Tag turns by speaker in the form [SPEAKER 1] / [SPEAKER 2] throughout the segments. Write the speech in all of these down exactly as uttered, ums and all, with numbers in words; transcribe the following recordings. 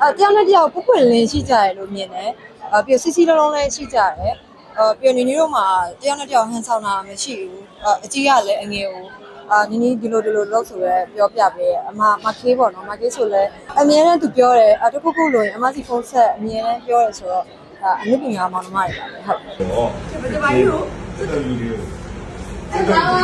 [SPEAKER 1] အဲတရားနဲ့တရားကိုပွပွလင်းရှိကြတယ်လို့မြင်တယ်အဲပြီးစီစီလုံးလုံးလည်းရှိကြတယ်အဲပြီးနေနေတို့မှာတရားနဲ့တရားဟန်ဆောင်တာမရှိဘူးအကြီးကလည်းအငယ်ကိုအာနီနီဒီလိုဒီလိုလောက်ဆိုရဲပြောပြပေးအမမခေးပေါ့နော်မခေးဆိုလဲအမြဲတမ်းသူပြောတယ်အတခုခုလို့ရင်အမစီဖုန်းဆက်အမြဲတမ်းပြောတယ်ဆိုတော့အနုပညာမောင်နှမတွေပါပဲဟုတ်ဟောဒီပါယူစစ်တော်ယူလေးစစ်တော်လာ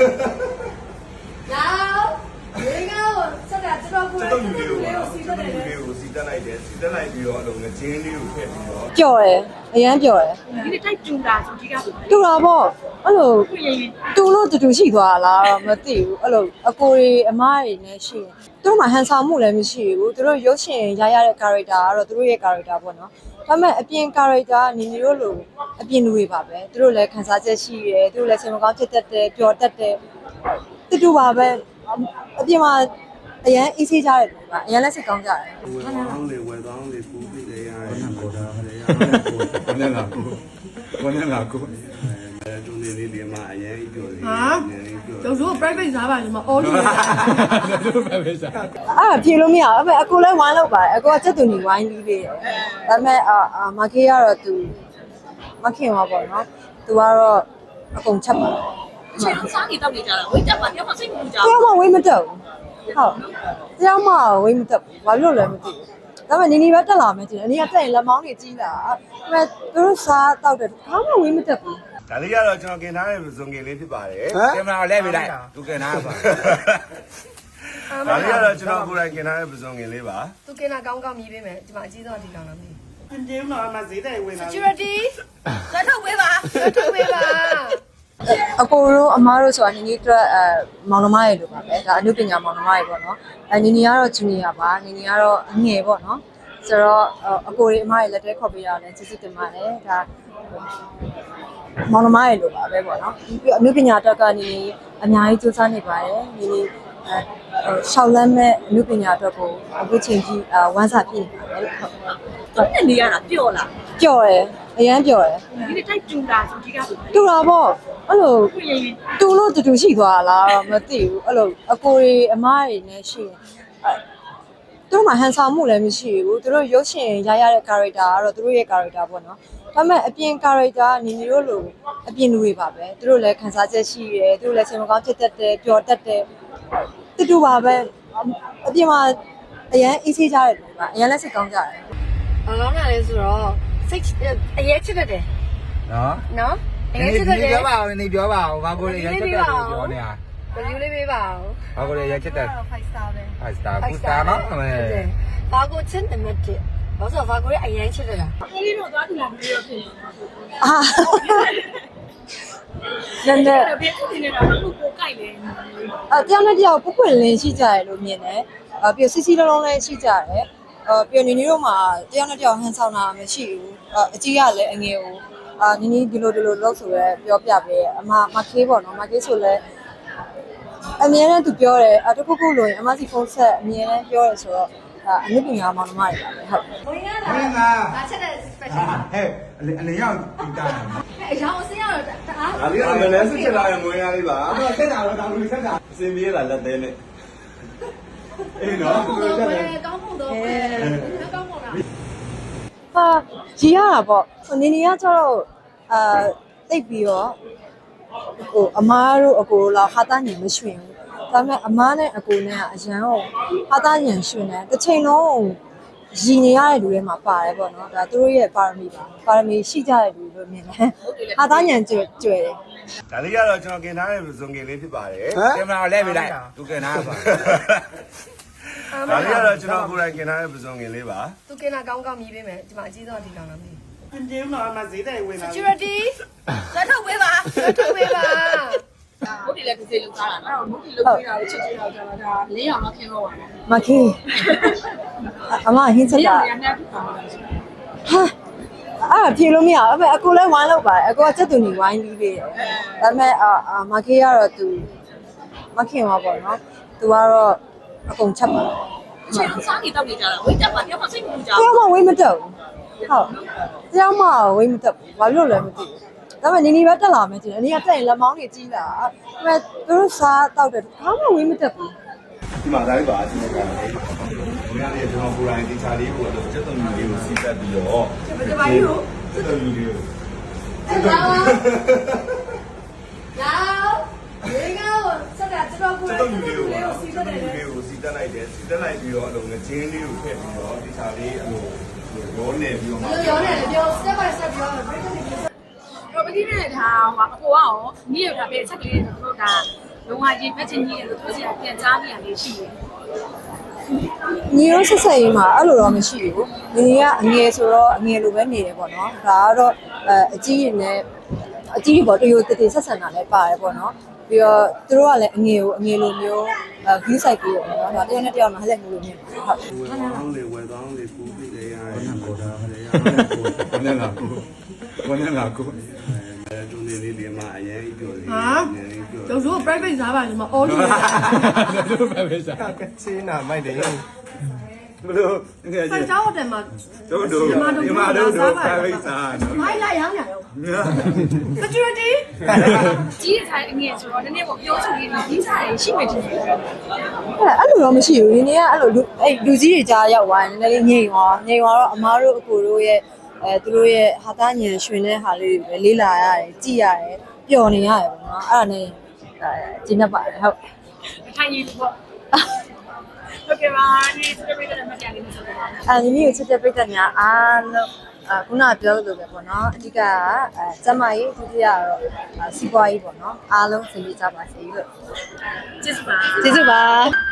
[SPEAKER 1] ရေကောဆက်တာတော်ကိုစစ်တော်ယူလေးကိုစီးတက်တယ်ကိုစီးတက်လိုက်တယ်စီးတက်လိုက်ပြီးတော့အလုံးငချင်းလေးကိုထည့်ပြီးတော့ကြော်တယ်အရန်ကြော်တယ်ဒီနေ့တိုက်တူတာဆိုဒီကတူတာပေါ့အဲ့လိုတူလို့တူတူရှိသွားလားမသိဘူးအဲ့လိုအကိုတွေအမတွေနဲ့ရှိရင်သူတို့မှဟန်ဆောင်မှုလည်းမရှိဘူးသူတို့ရုပ်ရှင်ရရတဲ့ character ကတော့သူတို့ရဲ့ character ပေါ့နော်ဒါပေမဲ့အပြင် character နေနေတို့လိုအပြင်လူတွေပါပဲသူတို့လည်းခံစားချက်ရှိတယ်သူတို့လည်းစိတ်မကောင်းဖြစ်တတ်တယ်ပျော်တတ်တယ်တူတူပါပဲအပြင်မှာအရန်အေးဆေးကြတယ်ပေါ့အရန်လက်စိတ်ကောင်းကြတယ်
[SPEAKER 2] ဝယ်ကောင်းလေဝယ်ကောင်းလေပူပြီးလေရတယ်ပေါ်တာရတယ်ဘယ်နဲ့လာကိုဘယ်နဲ့လာကိုအဲတူနေလေးဒီမှာအရင်ပြောတယ်ဟာ
[SPEAKER 3] ကျော်တို့ private စားပါညီမအော်လို့
[SPEAKER 1] တို့ private စားအဲ့ဖြေလို့မရဘူးအကိုလည်းဝိုင်းလောက်ပါတယ်အကိုကစက်တူညီဝိုင်းပြီးသေးတယ်ဒါပေမဲ့အာမခေးကတော့သူမခင်ပါပေါ့နော်သူကတော့အကုန်ချက်ပါတယ်
[SPEAKER 4] အချိန်စားနေတော့နေကြတာဝိတ်တက်ပါတယောက်မှစိတ်မပူကြဘူး
[SPEAKER 1] တယောက်မှဝိတ်မတက်ဘူးဟုတ်တယောက်မှဝိတ်မတက်ဘူးဘာလို့လဲမသိဘူးဒါပေမဲ့နီနီပဲတက်လာမယ်ကျင်အနည်းကတက်ရင်လက်မောင်းတွေကြီးလာဒါပေမဲ့သူတို့စားတောက်တယ်ဘာမှဝိတ်မတက်ဘူး
[SPEAKER 2] ဒါလေးကတော့ကျွန်တော်กินထားတဲ့ဇွန်ကင်လေးဖြစ်ပါတယ်
[SPEAKER 5] ကင်မရာလဲပေးလိုက်သူกินထားပါ
[SPEAKER 2] ဒါလေးကတော့ကျွန်တော်ကိုယ်တိုင်กินထားတဲ့ဇွန်ကင်လေးပါ
[SPEAKER 3] သူกินတာကောင်းကောင်းမြည်ပေးမယ်ဒီမှာအကြီးဆုံးအဒီကောင်းလားမသိ
[SPEAKER 2] ဘူးအင်းတော့မှဈေးတိုင်ဝင်လာ
[SPEAKER 3] security လက်ထုတ်ပေးပါလက်ထုတ်ပေးပါ
[SPEAKER 1] အကိုတို့အမားတို့ဆိုတာနီနီအတွက်အဲမောင်နှမရေလို့ပါပဲဒါအနုပညာမောင်နှမရေပေါ့နော်အဲနီနီကတော့ဂျူနီယာပါနီနီကတော့အငယ်ပေါ့နော်ဆိုတော့အကိုတွေအမားရေလက်ထဲခေါ်ပေးရအောင်ကျေးဇူးတင်ပါတယ်ဒါမောင်နှမရေလို့ပါပဲပေါ့နော်ပြီးအနုပညာအတွက်ကနေအများကြီးစူးစမ်းနေပါတယ်နီနီအဲရှောက်လန်းမဲ့အနုပညာအတွက်ကိုအခုချိန်ကြီးဝမ်းစာပြည့်နေပါတယ်ဟုတ်
[SPEAKER 4] သူနဲ့နေရတာပျော့လား
[SPEAKER 1] ပျော့တယ်အရန်ပျော်တယ်
[SPEAKER 4] ဒီနေ့တိုက်တူတာဆိုဒီက
[SPEAKER 1] တူတာပေါ့အဲ့လိုတူလို့တူတူရှိသွားလားမသိဘူးအဲ့လိုအကိုတွေအမတွေနဲ့ရှိရင်အဲသူတို့မှဟန်ဆောင်မှုလည်းမရှိဘူးသူတို့ရုပ်ရှင်ရရတဲ့ character ကတော့သူတို့ရဲ့ character ပေါ့နော်ဒါပေမဲ့အပြင် character နေနေတို့လိုအပြင်လူတွေပါပဲသူတို့လည်းခံစားချက်ရှိတယ်သူတို့လည်းစိတ်မကောင်းဖြစ်တတ်တယ်ပျော်တတ်တယ်တူတူပါပဲအပြင်မှာအရန်အေးဆေးကြတယ်ပေါ့အရန်လက်စိတ်ကောင်းကြတယ်
[SPEAKER 3] ဘာကောင်းတာလဲဆိုတော့စိတ်အရေးချစ်တတ်တယ်
[SPEAKER 5] နော်
[SPEAKER 3] နော်အရေးချစ်တတ်တယ်
[SPEAKER 5] ပြောပါဦးနေပြောပါဦးဘာကိုလဲရက်ချက်တယ်ပြောနေတာ
[SPEAKER 3] review လေးပေးပါဦး
[SPEAKER 5] ဘာကိုလဲရက်ချက်တယ်
[SPEAKER 3] five star ပဲ
[SPEAKER 5] five star good star နော်
[SPEAKER 3] ဘာကိုချစ်တယ်မတစ်ဘာလို့ဘာကိုလဲအရင်ချစ်တယ်လား
[SPEAKER 4] အေးတော့သွားတူလာပြီးတော့ဖြစ်
[SPEAKER 1] အာနည်းနည်း
[SPEAKER 4] ဘယ်သူနေနေတာလို့ကိုကြိုက်လဲ
[SPEAKER 1] အဲတရားနဲ့တရားကိုပွပွလင်းရှိကြတယ်လို့မြင်တယ်အဲပြီးစီစီလုံးလုံးလည်းရှိကြတယ်အဲပြီးနေနေတို့မှာတရားနဲ့တရားဟန်ဆောင်တာမရှိဘူးအကြီးကလည်းအငယ်ကိုအာနီနီဒီလိုဒီလိုလောက်ဆိုရဲပြောပြပေးအမမခေးပေါ့နော်မခေးဆိုလဲအမြဲတမ်းသူပြောတယ်အတခုခုလို့ရင်အမစီဖုန်းဆက်အမြဲတမ်းပြောတယ်ဆိုတော့အနုပညာမောင်နှမတွေပါပဲဟုတ်
[SPEAKER 3] ဝင်ရလားဝင်လာဒါချက်တဲ့ special
[SPEAKER 5] ဟဲ့အနေရောက်တီးတာ
[SPEAKER 3] အရောင်အစင်းရတော့တအား
[SPEAKER 2] ဒါလေးကမလဲစစ်ချက်လာရင်ငွေရလေးပါ
[SPEAKER 5] တော့ဆက်တာတော့ဒါလူဆက်တာ
[SPEAKER 2] အစင်ပြေးလာလက်သေးနဲ့အေးနော်
[SPEAKER 3] ကောင်းဖို့တော့ကောင်းဖို့တော့ကောင်းဖို့လား
[SPEAKER 1] ဟာကြီးရတာပေါ့နေနေကကျတော့အာတိတ်ပြီးတော့ဟိုအမားတို့အကိုလောက်ဟာသားညင်မရွှင်ဘူးဒါပေမဲ့အမားနဲ့အကိုနဲ့ကအရန်ကိုဟာသားညင်ရွှင်တယ်တစ်ချိန်လုံးရည်နေရတဲ့လူတွေမှာပါတယ်ပေါ့နော်ဒါသူတို့ရဲ့ပါရမီပါပါရမီရှိကြတဲ့လူလို့မြင်တယ်ဟာသားညင်ကျွဲကျွဲတယ်
[SPEAKER 2] ဒါလေးကတော့ကျွန်တော်กินထားတဲ့ဇွန်ကင်လေးဖြစ်ပါတယ်
[SPEAKER 5] ကင်မရာလဲပေးလိုက်သူกินထားပါ
[SPEAKER 2] ဒါလေးကတော့ကျွန်တော်ကိုယ်တိုင်กินထားတဲ့ဇွန်ကင်လေးပါ
[SPEAKER 3] သူกินတာကောင်းကောင်းမြည်ပေးမယ်ဒီမှာအကြီးဆုံးအဒီကောင်းလားမသိ
[SPEAKER 2] အင်းတော့မှဈေးတိုင်ဝင်လာ
[SPEAKER 3] security လက်ထုတ်ပေးပါလက်ထုတ်ပေးပါ
[SPEAKER 4] ဘုတ်တီလည်းਕਿਸੇလောက်သားတာနော်ဘုတ်တီလောက်ပေးတာကိုချစ်ချစ်တော့ကျွန်တော်ဒါလင်းအောင်တော့ခင်းတော့ပါ
[SPEAKER 1] မခေးအမဟင်းချက်တာဟာအဲ့ဖြေလို့မရဘူးအကိုလည်းဝိုင်းလောက်ပါတယ်အကိုကစက်တူညီဝိုင်းပြီးသေးတယ်ဒါပေမဲ့အာမခေးကတော့သူမခင်ပါပေါ့နော်သူကတော့အကုန်ချက်ပါတယ်
[SPEAKER 4] အချိန်စားနေတော့နေကြတာဝိတ်တက်ပါတယောက်မှစိတ်မပူကြဘူး
[SPEAKER 1] တယောက်မှဝိတ်မတက်ဘူးဟုတ်တယောက်မှဝိတ်မတက်ဘူးဘာလို့လဲမသိဘူးဒါပေမဲ့နီနီပဲတက်လာမယ်ကျင်အနည်းကတက်ရင်လက်မောင်းတွေကြီးလာဒါပေမဲ့သူတို့စားတောက်တယ်ဘာမှဝေးမတက်ဘူး
[SPEAKER 2] ဒီမှာဒါလေးပါအချင်းကလည်းဘုရားလေးကျွန်တော်ကိုယ်တိုင်ဒီချာလေးကိုတော့စက်သုံးယူလေးကိုစီးတက်ပြီးတော့ဒီပါကြီးကိုစက်သုံးယူလေးကို
[SPEAKER 1] ရေကောဆက်တာကျွန်တော်ကို
[SPEAKER 2] စ
[SPEAKER 1] ယ်
[SPEAKER 2] က်
[SPEAKER 1] တို
[SPEAKER 2] သုံး
[SPEAKER 1] င်
[SPEAKER 2] ယူလေးကို
[SPEAKER 1] စီး
[SPEAKER 2] စ
[SPEAKER 1] တ
[SPEAKER 2] က်
[SPEAKER 1] ယ်
[SPEAKER 2] သုံးယူလေးကိုစီးတက်လိုက်တယ်စီးတက်လိုက်ပြီးတော့အလုံးငချင်းလေးကိုထည့်ပြီးတော့ဒီချာလေးအလိုရောနေပြီးတော့မှ
[SPEAKER 1] ရောနေတယ်ပြော step by step ပြော break တွေ
[SPEAKER 4] တော့ပတိနဲ့ဒါဟိုအကိုကရောညီရတာပဲချက်လေးတို့ဒါလုံးဝရင်ဖက်ချင်းကြီးလို့သူစီကပြန်ကြားနေရလေးရှိတယ်
[SPEAKER 1] ညီရောဆက်ဆက်ရေးမှာအဲ့လိုတော့မရှိဘူးညီကအငယ်ဆိုတော့အငယ်လိုပဲနေတယ်ပေါ့နော်ဒါကတော့အဲအကြီးရင်နဲ့အကြီးပေါ့တရိုတည်တည်ဆက်ဆံတာလည်းပါတယ်ပေါ့နော်ပြီးတော့သူတို့ကလည်းအငယ်ကိုအငယ်လိုမျိုးအဲဂီးဆိုင်ပြီးတော့နော်ဒါတယောက်နဲ့တယောက်မှာဟလက်မျိုးလိုမျိုးဟုတ်
[SPEAKER 2] ဝယ်ကောင်းလေဝယ်ကောင်းလေပူပြီးလေရတယ်ကိုဒါဟလေရ
[SPEAKER 5] ဘယ်နဲ့လားကိုဘယ်နဲ့လားကို
[SPEAKER 2] အဲတူနေလေးလေးမှာအရင်ပြောစီ
[SPEAKER 6] ကျုပ်တို့ private စားပါလေမအော်လို့
[SPEAKER 5] တို့ပဲပဲစား
[SPEAKER 7] ကချင်းနာမိုက်တယ်
[SPEAKER 5] ဘယ်လိုငယ်
[SPEAKER 6] ဖို
[SPEAKER 5] ကြီး
[SPEAKER 6] င်သားဟိုတယ်မှာ
[SPEAKER 5] တို့တို့ဒီမှာတို့တို့ private စားနော်
[SPEAKER 6] မိုင်းလာရောင်းနေရော security
[SPEAKER 4] ကြီးတဲ့ဆိုင်အငယ်ဆိုတော့နည်းနည်းပေါ့ပြောချင်တယ်ဒီဆိုင်ရှိမှတင်တယ်
[SPEAKER 1] အဲ့အဲ့လိုတော့မရှိဘူးဒီနေ့ကအဲ့လိုအဲ့လူကြီးတွေကြားရောက်သွားတယ်နည်းနည်းလေးငြိမ်သွားငြိမ်သွားတော့အမားတို့အကိုတို့ရဲ့အဲသူတို့ရဲ့ဟာသားညံရွှင်တဲ့ဟာလေးတွေပဲလေးလာရတယ်ကြည်ရတယ်ပျော်နေရတယ်ပေါ့နော်အဲ့ဒါနဲ့အဲကျင်းတတ်ပါတယ်ဟုတ်
[SPEAKER 4] ထိုင်ရည်ပေါ့โอเคပါဒီစပယ်တဲ့မတရားလေးနဲ့ဆက်ပါ
[SPEAKER 1] အဲဒီနေ့ကိုချစ်တဲ့ပြိတ္တများအားလုံးအခုနကပြောလို့ပဲပေါ့နော်အဓိကအဲကျမကြီးဒုတိယကတော့စီးပွားရေးပေါ့နော်အားလုံးဆင်ပြေကြပါစေလို့
[SPEAKER 4] ကျေးဇူးပါ
[SPEAKER 1] ကျေးဇူးပါ